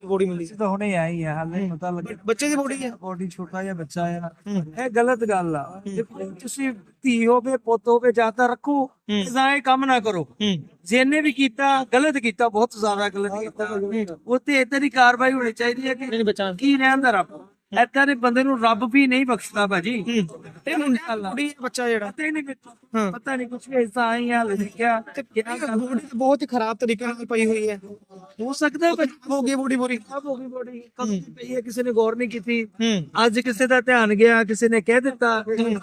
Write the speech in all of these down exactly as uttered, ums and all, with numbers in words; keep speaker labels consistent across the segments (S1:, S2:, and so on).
S1: Body ਮਿਲੀ?
S2: ਤਾਂ ਹੁਣੇ ਆਈ ਆ, ਹਾਲੇ ਪਤਾ ਲੱਗਿਆ
S1: ਬੱਚੇ ਦੀ ਬੋਡੀ ਹੈ?
S2: ਬੋਡੀ ਛੋਟਾ ਜਿਹਾ ਬੱਚਾ ਆ। ਇਹ ਗਲਤ ਗੱਲ ਆ। ਦੇਖੋ, ਤੁਸੀਂ ਧੀ ਹੋਵੇ ਪੁੱਤ ਹੋਵੇ ਜਾਂ ਤਾਂ ਰੱਖੋ, ਜਾਂ ਇਹ ਕੰਮ ਨਾ ਕਰੋ। ਜਿਹਨੇ ਵੀ ਕੀਤਾ ਗਲਤ ਕੀਤਾ, ਬਹੁਤ ਜ਼ਿਆਦਾ ਗਲਤ ਕੀਤਾ। ਉੱਤੇ ਏਦਾਂ ਦੀ ਕਾਰਵਾਈ ਹੋਣੀ ਚਾਹੀਦੀ ਹੈ ਕਿ
S1: ਬੱਚਾ
S2: ਕੀ ਰਹਿੰਦਾ ਰੱਬ ਏਦਾਂ ਦੇ ਬੰਦੇ ਨੂੰ ਰੱਬ ਵੀ ਨਹੀਂ ਬਖਸ਼ਦਾ ਭਾਜੀ।
S1: ਤੇ ਬੋਡੀ ਬੱਚਾ ਜਿਹੜਾ
S2: ਪਤਾ ਹੀ ਨਹੀਂ ਮੈਨੂੰ, ਪਤਾ ਨਹੀਂ ਕੁਛ ਵੀ ਐਸਾ ਆਈ ਹਾਲ ਲਿਖਿਆ
S1: ਬੋਡੀ ਬਹੁਤ ਹੀ ਖਰਾਬ ਤਰੀਕੇ ਨਾਲ ਪਈ ਹੋਈ ਹੈ।
S2: ਹੋ ਸਕਦਾ
S1: ਹੋ ਗਈ ਬੋਡੀ ਪੂਰੀ
S2: ਖਰਾਬ ਹੋ ਗਈ ਬੋਡੀ, ਕਦੋਂ ਦੀ ਪਈ ਹੈ, ਕਿਸੇ ਨੇ ਗੌਰ ਨਹੀਂ ਕੀਤੀ। ਅੱਜ ਕਿਸੇ ਦਾ ਧਿਆਨ ਗਿਆ, ਕਿਸੇ ਨੇ ਕਹਿ ਦਿੱਤਾ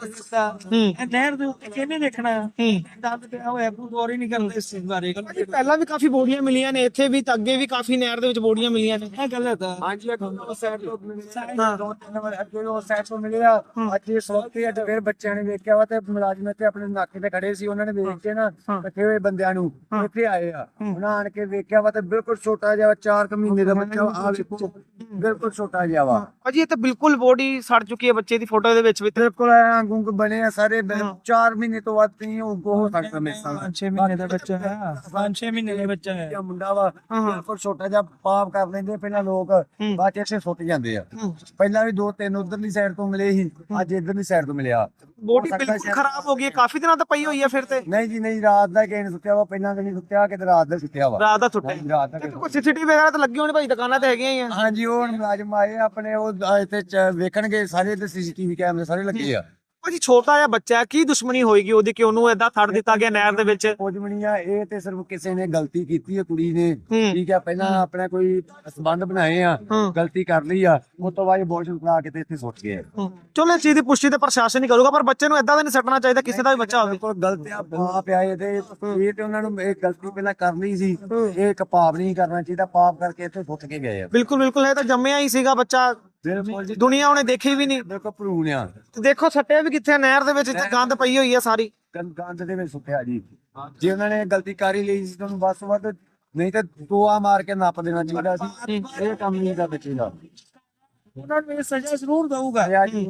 S2: ਇਹ ਨਹਿਰ ਦੇ ਉੱਤੇ ਕਿਹਨੇ ਦੇਖਣਾ, ਦੰਦ ਪਿਆ ਹੋਇਆ, ਕੋਈ ਗੌਰ ਹੀ ਨਹੀਂ ਕਰਦਾ ਇਸ ਚੀਜ਼ ਬਾਰੇ।
S1: ਪਹਿਲਾਂ ਵੀ ਕਾਫੀ ਬੋਡੀਆਂ ਮਿਲੀਆਂ ਨੇ ਇੱਥੇ ਵੀ, ਤਾਂ ਅੱਗੇ ਵੀ ਕਾਫੀ ਨਹਿਰ ਦੇ ਵਿੱਚ ਬੋਡੀਆਂ ਮਿਲੀਆਂ ਨੇ।
S2: ਇਹ ਗਲਤ ਆ।
S3: ਹਾਂਜੀ ਸਾਈਡ ਤੋਂ ਦੋ ਤਿੰਨ ਵਾਰ ਅੱਗੇ ਉਹ ਸਾਈਡ ਤੋਂ ਮਿਲਿਆ। ਅੱਜ ਇਸ ਵਕਤ ਹੀ ਅੱਜ ਫਿਰ ਬੱਚਿਆਂ ਨੇ ਵੇਖਿਆ ਵਾ ਤੇ ਮੁਲਾਜ਼ਮ ਇੱਥੇ ਆਪਣੇ ਨਾਕੇ ਤੇ ਖੜੇ ਸੀ, ਉਹਨਾਂ ਨੇ ਵੇਖ ਕੇ ਨਾ ਇਕੱਠੇ ਹੋਏ ਬੰਦਿਆਂ ਨੂੰ ਇੱਥੇ ਆਏ ਆ। ਉਹਨਾਂ ਆਣ ਕੇ ਵੇਖਿਆ ਵਾ ਤੇ ਬਿਲਕੁਲ ਛੋਟਾ ਜਿਹਾ ਚਾਰ ਕੁ ਮਹੀਨੇ ਦਾ ਬੱਚਾ ਆ ਵੇਖੋ, ਬਿਲਕੁਲ ਛੋਟਾ ਜਿਹਾ ਵਾ
S1: ਭਾਜੀ। ਇਹ ਤਾਂ ਬਿਲਕੁਲ ਬੋਡੀ ਸੜ ਚੁੱਕੀ ਹੈ ਬੱਚੇ ਦੀ ਫੋਟੋ ਦੇ ਵਿੱਚ ਵੀ।
S3: ਬਿਲਕੁਲ ਗੁੰਗ ਬਣੇ ਆ ਸਾਰੇ। ਚਾਰ ਮਹੀਨੇ ਤੋਂ ਵੱਧ ਨਹੀਂ ਉਹ ਹੋ ਸਕਦਾ ਮੇਰੇ ਸਾਲ।
S2: ਪੰਜ ਛੇ ਮਹੀਨੇ ਦਾ ਬੱਚਾ ਹੈ, ਪੰਜ ਛੇ ਮਹੀਨੇ ਦਾ ਬੱਚਾ ਹੈ।
S3: ਮੁੰਡਾ ਵਾ ਬਿਲਕੁਲ ਛੋਟਾ ਜਿਹਾ, ਪਾਪ ਕਰ ਲੈਂਦੇ ਪਹਿਲਾਂ ਲੋਕ, ਬਾਅਦ ਚ ਇੱਥੇ ਸੁੱਟ ਜਾਂਦੇ ਆ। ਪਹਿਲਾਂ ਵੀ ਦੋ ਤਿੰਨ ਉਧਰਲੀ ਸਾਈਡ ਤੋਂ ਮਿਲੇ ਸੀ, ਅੱਜ ਇਧਰਲੀ ਸਾਈਡ ਤੋਂ ਮਿਲਿਆ।
S1: ਬੋਡੀ ਬਿਲਕੁਲ ਖਰਾਬ ਹੋ ਗਈ ਹੈ, ਕਾਫੀ ਦਿਨਾਂ ਤੋਂ ਪਈ ਹੋਈ ਹੈ। ਫਿਰ ਤੇ
S3: ਨਹੀਂ ਜੀ ਨਹੀਂ, ਰਾਤ ਦਾ ਕਿਸੇ ਨੇ ਸੁੱਤਿਆ ਵਾ, ਪਹਿਲਾਂ ਤਾਂ ਨਹੀਂ ਸੁੱਤਿਆ, ਕਿਤੇ ਰਾਤ ਦਾ ਸੁੱਤਿਆ ਵਾ।
S1: ਰਾਤ ਦਾ ਸੁੱਟਿਆ
S3: ਰਾਤ ਦਾ।
S1: ਕੋਈ ਸੀਸੀਟੀਵੀ ਵਗੈਰਾ ਤਾਂ ਲੱਗੀ ਹੋਣੀ ਭਾਈ, ਦੁਕਾਨਾਂ ਤੇ ਹੈਗੀਆਂ ਹੀ ਆ।
S3: ਹਾਂਜੀ, ਉਹ ਹੁਣ ਮੁਲਾਜ਼ਮ ਆਏ ਆਪਣੇ, ਉਹ ਇੱਥੇ ਵੇਖਣਗੇ ਸਾਰੇ, ਤੇ ਸੀਸੀਟੀਵੀ ਕੈਮਰੇ ਸਾਰੇ ਲੱਗੇ ਆ।
S1: ਭਾਜੀ ਛੋਟਾ ਜਿਹਾ ਬੱਚਾ, ਕੀ ਦੁਸ਼ਮਣੀ ਹੋਏਗੀ ਉਹਦੀ ਕਿ ਉਹਨੂੰ ਏਦਾਂ ਛੱਡ ਦਿੱਤਾ ਗਿਆ ਨਹਿਰ ਦੇ ਵਿੱਚ?
S3: ਪੋਜਮਣੀਆਂ ਇਹ ਤੇ ਸਿਰਫ ਕਿਸੇ ਨੇ ਗਲਤੀ ਕੀਤੀ ਹੈ, ਕੁੜੀ ਨੇ, ਠੀਕ ਹੈ, ਪਹਿਲਾਂ ਆਪਣਾ ਕੋਈ ਸੰਬੰਧ ਬਣਾਏ ਆ, ਗਲਤੀ ਕਰ ਲਈ ਆ, ਉਸ ਤੋਂ ਬਾਅਦ ਅਬੋਰਸ਼ਨ ਕਰਾ ਕੇ ਤੇ ਇੱਥੇ ਸੁੱਟ ਗਏ।
S1: ਚਲੋ ਇਸ ਚੀਜ਼ ਦੀ ਪੁਸ਼ਟੀ ਤੇ ਪ੍ਰਸ਼ਾਸਨ ਹੀ ਕਰੂਗਾ, ਪਰ ਬੱਚੇ ਨੂੰ ਏਦਾਂ ਦਾ ਨਹੀਂ ਸੱਟਣਾ ਚਾਹੀਦਾ, ਕਿਸੇ ਦਾ ਵੀ ਬੱਚਾ ਹੋਵੇ।
S3: ਬਿਲਕੁਲ ਗਲਤ ਆ, ਪਾਪ ਆ ਇਹ ਤੇ। ਇਹ ਤੇ ਉਹਨਾਂ ਨੂੰ ਇਹ ਗਲਤੀ ਪਹਿਲਾਂ ਕਰਨੀ ਸੀ, ਇਹ ਇੱਕ ਪਾਪ ਨਹੀਂ ਕਰਨਾ ਚਾਹੀਦਾ, ਪਾਪ ਕਰਕੇ ਇੱਥੇ ਸੁੱਟ ਕੇ ਗਏ ਆ।
S1: ਬਿਲਕੁਲ ਬਿਲਕੁਲ, ਇਹ ਤਾਂ ਜੰਮਿਆ ਹੀ ਸੀਗਾ ਬੱਚਾ, ਦੁਨੀਆ ਉਹਨੇ ਦੇਖੀ ਵੀ ਨਹੀਂ।
S3: ਬਿਲਕੁਲ ਭਰੂਣ ਆ।
S1: ਦੇਖੋ ਸੱਟਿਆ ਵੀ ਕਿੱਥੇ, ਨਹਿਰ ਦੇ ਵਿੱਚ ਗੰਦ ਪਈ ਹੋਈ ਹੈ ਸਾਰੀ,
S3: ਗੰਦ ਦੇ ਵਿੱਚ ਸੁੱਟਿਆ ਜੀ। ਜੇ ਉਹਨਾਂ ਨੇ ਗਲਤੀ ਕਰ ਹੀ ਲਈ ਸੀ ਤੁਹਾਨੂੰ ਬਸ ਵੱਧ, ਨਹੀਂ ਤੇ ਟੋਆ ਮਾਰ ਕੇ ਨੱਪ ਦੇਣਾ ਚਾਹੀਦਾ ਸੀ। ਇਹ ਕੰਮ ਨਹੀਂ ਦਾ ਬੱਚੇ ਦਾ,
S2: ਉਹਨਾਂ ਨੂੰ ਇਹ ਸਜ਼ਾ ਜ਼ਰੂਰ ਦਊਗਾ।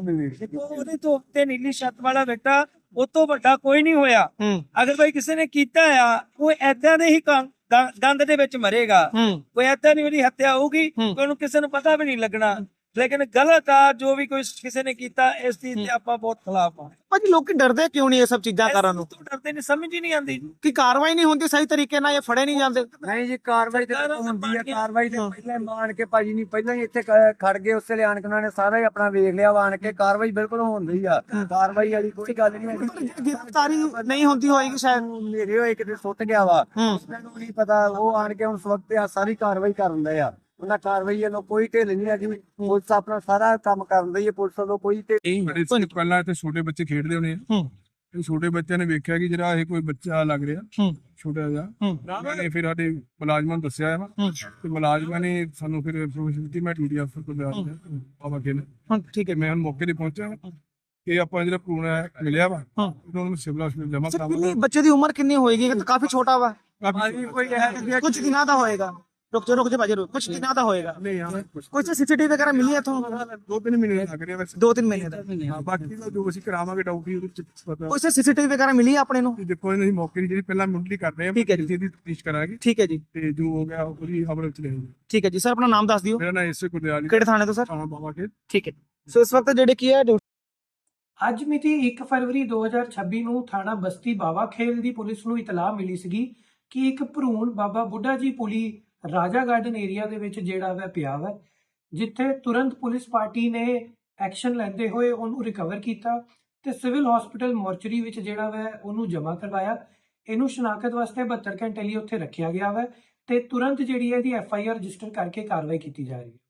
S2: ਉਹਦੇ ਤੋਂ ਉੱਤੇ ਨੀਲੀ ਛੱਤ ਵਾਲਾ ਬੇਟਾ ਉਹ ਤੋਂ ਵੱਡਾ ਕੋਈ ਨਹੀਂ ਹੋਇਆ। ਅਗਰ ਭਾਈ ਕਿਸੇ ਨੇ ਕੀਤਾ ਆ, ਉਹ ਏਦਾਂ ਦੇ ਹੀ ਗੰਦ ਦੇ ਵਿੱਚ ਮਰੇਗਾ। ਕੋਈ ਏਦਾਂ ਨਹੀਂ ਉਹਦੀ ਹੱਤਿਆ ਹੋਊਗੀ, ਉਹਨੂੰ ਕਿਸੇ ਨੂੰ ਪਤਾ ਵੀ ਨਹੀਂ ਲੱਗਣਾ। ਲੇਕਿਨ ਗਲਤ ਆ ਜੋ ਵੀ ਕੋਈ ਕਿਸੇ ਨੇ ਕੀਤਾ, ਇਸ ਚੀਜ਼ ਤੇ ਆਪਾਂ ਬਹੁਤ ਖਿਲਾਫ ਆ।
S1: ਭਾਜੀ ਲੋਕੀ ਡਰਦੇ ਕਿਉਂ ਨਹੀਂ ਇਹ ਸਭ ਚੀਜ਼ਾਂ ਕਰਨ ਨੂੰ?
S2: ਡਰਦੇ ਨਹੀਂ, ਸਮਝ ਹੀ ਨਹੀਂ ਆਉਂਦੀ
S1: ਕਿ ਕਾਰਵਾਈ ਨਹੀਂ ਹੁੰਦੀ ਸਹੀ ਤਰੀਕੇ ਨਾਲ, ਇਹ ਫੜੇ ਨਹੀਂ ਜਾਂਦੇ।
S3: ਨਹੀਂ ਜੀ, ਕਾਰਵਾਈ ਤੇ ਹੁੰਦੀ ਹੈ। ਕਾਰਵਾਈ ਤੇ ਪਹਿਲਾਂ ਮਾਨ ਕੇ ਭਾਜੀ ਨਹੀਂ, ਪਹਿਲਾਂ ਹੀ ਇੱਥੇ ਖੜ ਗਏ, ਉਸੇ ਲਿਆਣ ਕੇ ਉਹਨਾਂ ਨੇ ਸਾਰਾ ਹੀ ਆਪਣਾ ਵੇਖ ਲਿਆ ਵਾ। ਆਣ ਕੇ ਕਾਰਵਾਈ ਬਿਲਕੁਲ ਹੁੰਦੀ ਆ, ਕਾਰਵਾਈ ਵਾਲੀ ਕੋਈ ਗੱਲ ਨਹੀਂ ਹੁੰਦੀ।
S1: ਗ੍ਰਿਫਤਾਰੀ ਨਹੀਂ ਹੁੰਦੀ ਹੋਏਗੀ ਸ਼ਾਇਦ,
S3: ਮੇਰੇ ਹੋਏ ਕਿਤੇ ਸੁੱਟ ਗਿਆ ਵਾ, ਮੈਨੂੰ ਨਹੀਂ ਪਤਾ। ਉਹ ਆਣ ਕੇ ਹੁਣ ਵਕਤ ਆ ਸਾਰੀ ਕਾਰਵਾਈ ਕਰਨ ਦੇ ਆ। ਉਹਨਾਂ ਕਾਰਵਾਈ ਵੱਲੋਂ ਕੋਈ ਢਿੱਲ ਨਹੀਂ ਹੈਗੀ, ਪੁਲਿਸ ਆਪਣਾ ਸਾਰਾ ਕੰਮ ਕਰਨ ਦੀ ਹੈ। ਪੁਲਿਸ ਵੱਲੋਂ ਕੋਈ ਢਿੱਲ।
S4: ਪਹਿਲਾਂ ਇੱਥੇ ਛੋਟੇ ਬੱਚੇ ਖੇਡਦੇ ਹੋਣੇ ਆ, ਇਹ ਛੋਟੇ ਬੱਚਿਆਂ ਨੇ ਵੇਖਿਆ ਕਿ ਜਿਹੜਾ ਇਹ ਕੋਈ ਬੱਚਾ ਲੱਗ ਰਿਹਾ ਛੋਟਾ ਜਿਹਾ, ਉਹਨਾਂ ਨੇ ਫਿਰ ਸਾਡੇ ਮੁਲਾਜ਼ਮਾਂ ਨੂੰ ਦੱਸਿਆ ਵਾ, ਤੇ ਮੁਲਾਜ਼ਮਾਂ ਨੇ ਸਾਨੂੰ ਫਿਰ ਇਨਫੋਰਮੇਸ਼ਨ ਦਿੱਤੀ। ਮੈਂ ਡਿਊਟੀ ਅਫਸਰ ਕੋਲ ਗਿਆ ਬਾਬਾ ਖੇਲ, ਠੀਕ ਹੈ, ਮੈਂ ਹੁਣ ਮੌਕੇ ਤੇ ਪਹੁੰਚਿਆ। ਇਹ ਆਪਾਂ ਜਿਹੜਾ ਭਰੂਣ ਮਿਲਿਆ ਵਾ, ਉਹਨੂੰ ਸਿਵਲ ਹਸਪਤਾਲ ਜਮ੍ਹਾਂ ਕਰਾਵਾਂਗੇ।
S1: ਬੱਚੇ ਦੀ ਉਮਰ ਕਿੰਨੀ ਹੋਏਗੀ? ਕਾਫੀ ਛੋਟਾ ਵਾ,
S3: ਕੋਈ
S1: ਕੁਝ ਦਿਨਾਂ ਦਾ ਹੋਏਗਾ। ਰੁਕ ਜਾ ਰੁਕ ਜਾ ਭਾਜੀ, ਕੁਝ ਦਿਨਾਂ ਦਾ ਹੋਏਗਾ। ਕੋਈ ਸੀਸੀਟੀਵੀ ਵਗੈਰਾ ਮਿਲੀ ਹੈ ਤੁਹਾਨੂੰ?
S4: ਦੋ ਤਿੰਨ ਮਹੀਨੇ ਲੱਗ ਰਿਹਾ ਵੈਸੇ,
S1: ਦੋ ਤਿੰਨ ਮਹੀਨੇ ਦਾ।
S4: ਹਾਂ, ਬਾਕੀ ਦਾ ਜੋ ਅਸੀਂ ਕਰਾਵਾਂਗੇ ਡਾਊਟੀ ਉਹਦੇ ਚ ਪਤਾ।
S1: ਕੋਈ ਸੀਸੀਟੀਵੀ ਵਗੈਰਾ ਮਿਲੀ ਹੈ ਆਪਣੇ ਨੂੰ?
S4: ਦੇਖੋ ਇਹਨਾਂ ਦੀ ਮੌਕੇ ਦੀ ਜਿਹੜੀ ਪਹਿਲਾਂ ਮੁੱਢਲੀ ਕਰ ਰਹੇ ਆ,
S1: ਠੀਕ ਹੈ ਜੀ,
S4: ਦੀ ਤਫਤੀਸ਼ ਕਰਾਂਗੇ।
S1: ਠੀਕ ਹੈ ਜੀ,
S4: ਤੇ ਜੋ ਹੋ ਗਿਆ ਉਹਦੀ ਖਬਰ ਵਿੱਚ ਲੈਣੀ।
S1: ਠੀਕ ਹੈ ਜੀ ਸਰ, ਆਪਣਾ ਨਾਮ ਦੱਸ ਦਿਓ।
S4: ਮੇਰਾ ਨਾਮ ਇਸੇ ਗੁਰਦਿਆਲ,
S1: ਕਿਹੜੇ ਥਾਣੇ ਤੋਂ ਸਰ?
S4: ਹਾਂ ਬਾਬਾ ਖੇਲ।
S1: ਠੀਕ ਹੈ, ਸੋ ਇਸ ਵਕਤ ਜਿਹੜੇ ਕੀ ਹੈ
S5: ਅੱਜ ਮਿਤੀ ਇੱਕ ਫਰਵਰੀ ਦੋ ਹਜ਼ਾਰ ਛੱਬੀ ਨੂੰ ਥਾਣਾ ਬਸਤੀ ਬਾਵਾ ਖੇਲ ਦੀ ਪੁਲਿਸ ਨੂੰ ਇਤਲਾਹ ਮਿਲੀ ਸੀਗੀ ਕਿ ਇੱਕ ਭਰੂਣ ਬਾਬਾ ਬੁੱਢਾ ਜੀ ਪੁਲੀ ਰਾਜਾ ਗਾਰਡਨ ਏਰੀਆ ਦੇ ਵਿੱਚ ਜਿਹੜਾ ਵਾ ਪਿਆ ਵਾ, ਜਿੱਥੇ ਤੁਰੰਤ ਪੁਲਿਸ ਪਾਰਟੀ ਨੇ ਐਕਸ਼ਨ ਲੈਂਦੇ ਹੋਏ ਉਹਨੂੰ ਰਿਕਵਰ ਕੀਤਾ ਤੇ ਸਿਵਲ ਹਸਪੀਟਲ ਮੋਰਚਰੀ ਵਿੱਚ ਜਿਹੜਾ ਵਾ ਉਹਨੂੰ ਜਮ੍ਹਾਂ ਕਰਵਾਇਆ। ਇਹਨੂੰ ਸ਼ਨਾਖਤ ਵਾਸਤੇ ਬਹੱਤਰ ਘੰਟੇ ਲਈ ਉੱਥੇ ਰੱਖਿਆ ਗਿਆ ਵਾ ਤੇ ਤੁਰੰਤ ਜਿਹੜੀ ਹੈ ਇਹਦੀ ਐਫ ਆਈ ਆਰ ਰਜਿਸਟਰ ਕਰਕੇ ਕਾਰਵਾਈ ਕੀਤੀ ਜਾ ਰਹੀ ਹੈ।